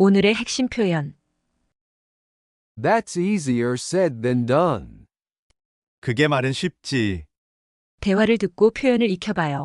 오늘의 핵심 표현. That's easier said than done. 그게 말은 쉽지. 대화를 듣고 표현을 익혀봐요.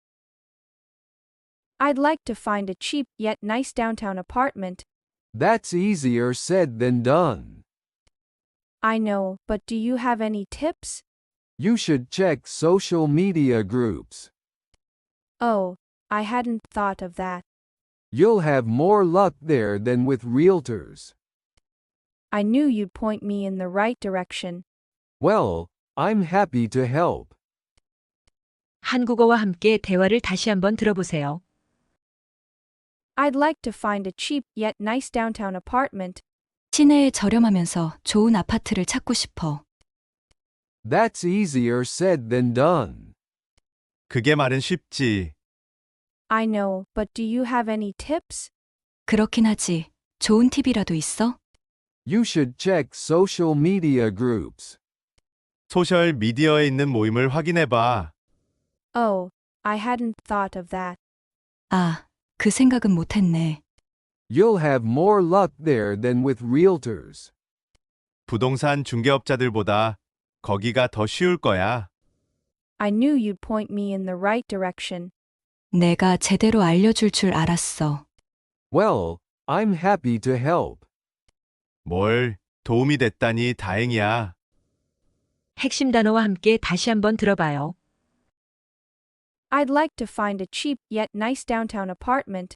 I'd like to find a cheap yet nice downtown apartment. That's easier said than done. I know, but do you have any tips? You should check social media groups. Oh, I hadn't thought of that. You'll have more luck there than with realtors. I knew you'd point me in the right direction. Well, I'm happy to help. 한국어와 함께 대화를 다시 한번 들어보세요. I'd like to find a cheap yet nice downtown apartment. 시내에 저렴하면서 좋은 아파트를 찾고 싶어. That's easier said than done. 그게 말은 쉽지. I know, but do you have any tips? 그렇긴 하지. 좋은 팁이라도 있어? You should check social media groups. 소셜 미디어에 있는 모임을 확인해봐. Oh, I hadn't thought of that. 아, 그 생각은 못했네. You'll have more luck there than with realtors. 부동산 중개업자들보다 거기가 더 쉬울 거야. I knew you'd point me in the right direction. 내가 제대로 알려줄 줄 알았어. Well, I'm happy to help. 뭘 도움이 됐다니 다행이야. 핵심 단어와 함께 다시 한번 들어봐요. I'd like to find a cheap yet nice downtown apartment.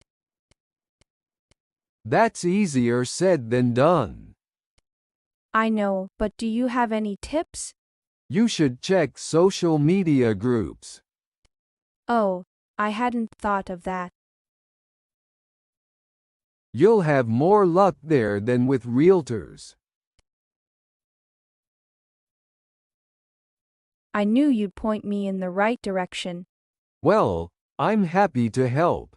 That's easier said than done. I know, but do you have any tips? You should check social media groups. Oh, I hadn't thought of that. You'll have more luck there than with realtors. I knew you'd point me in the right direction. Well, I'm happy to help.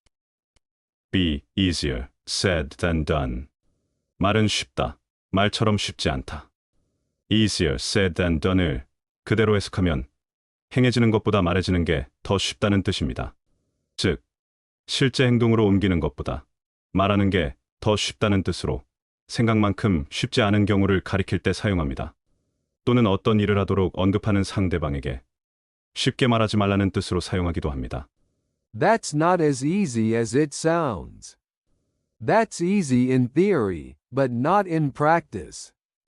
Be easier said than done. 말은 쉽다. 말처럼 쉽지 않다. Easier said than done을 그대로 해석하면 행해지는 것보다 말해지는 게 더 쉽다는 뜻입니다. 즉, 실제 행동으로 옮기는 것보다 말하는 게 더 쉽다는 뜻으로 생각만큼 쉽지 않은 경우를 가리킬 때 사용합니다. 또는 어떤 일을 하도록 언급하는 상대방에게 쉽게 말하지 말라는 뜻으로 사용하기도 합니다. That's not as easy as it sounds. That's easy in theory, but not in practice.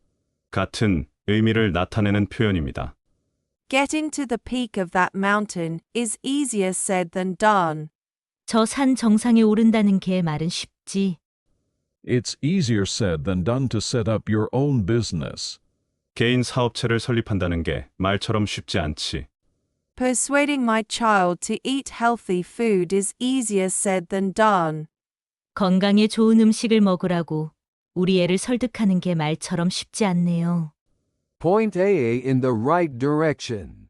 같은 의미를 나타내는 표현입니다. Getting to the peak of that mountain is easier said than done. 저 산 정상에 오른다는 게 말은 쉽지. It's easier said than done to set up your own business. 개인 사업체를 설립한다는 게 말처럼 쉽지 않지. Persuading my child to eat healthy food is easier said than done. 건강에 좋은 음식을 먹으라고 우리 애를 설득하는 게 말처럼 쉽지 않네요. Point A in the right direction.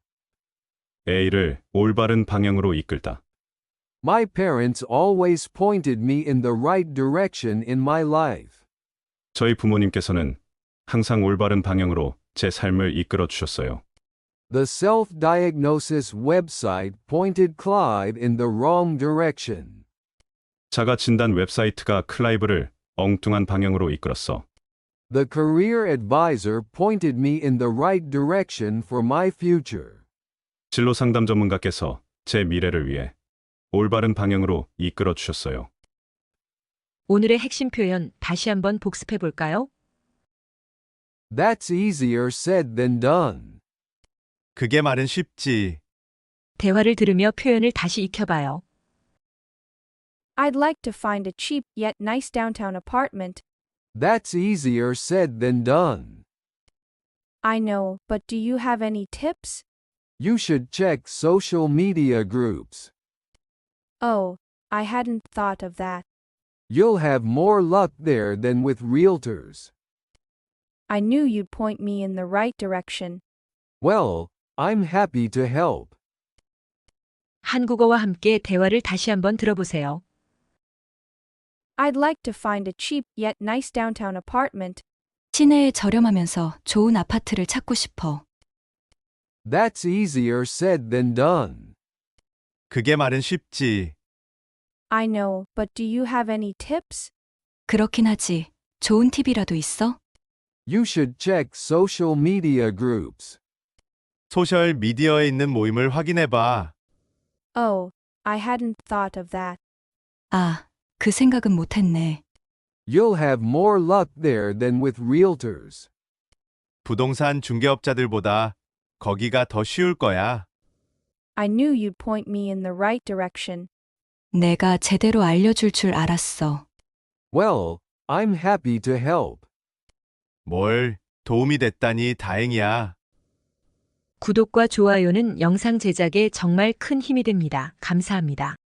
A를 올바른 방향으로 이끌다. My parents always pointed me in the right direction in my life. 저희 부모님께서는 항상 올바른 방향으로 제 삶을 이끌어 주셨어요. The self-diagnosis website pointed Clive in the wrong direction. 자가 진단 웹사이트가 클라이브를 엉뚱한 방향으로 이끌었어. The career advisor pointed me in the right direction for my future. 진로 상담 전문가께서 제 미래를 위해 올바른 방향으로 이끌어 주셨어요. 오늘의 핵심 표현 다시 한번 복습해 볼까요? That's easier said than done. 그게 말은 쉽지. 대화를 들으며 표현을 다시 익혀봐요. I'd like to find a cheap yet nice downtown apartment. That's easier said than done. I know, but do you have any tips? You should check social media groups. Oh, I hadn't thought of that. You'll have more luck there than with realtors. I knew you'd point me in the right direction. Well, I'm happy to help. 한국어와 함께 대화를 다시 한번 들어보세요. I'd like to find a cheap yet nice downtown apartment. 시내에 저렴하면서 좋은 아파트를 찾고 싶어. That's easier said than done. 그게 말은 쉽지. I know, but do you have any tips? 그렇긴 하지. 좋은 팁이라도 있어? You should check social media groups. 소셜 미디어에 있는 모임을 확인해 봐. Oh, I hadn't thought of that. 아, 그 생각은 못했네. You'll have more luck there than with realtors. 부동산 중개업자들보다 거기가 더 쉬울 거야. I knew you'd point me in the right direction. 내가 제대로 알려줄 줄 알았어. Well, I'm happy to help. 뭘, 도움이 됐다니 다행이야. 구독과 좋아요는 영상 제작에 정말 큰 힘이 됩니다. 감사합니다.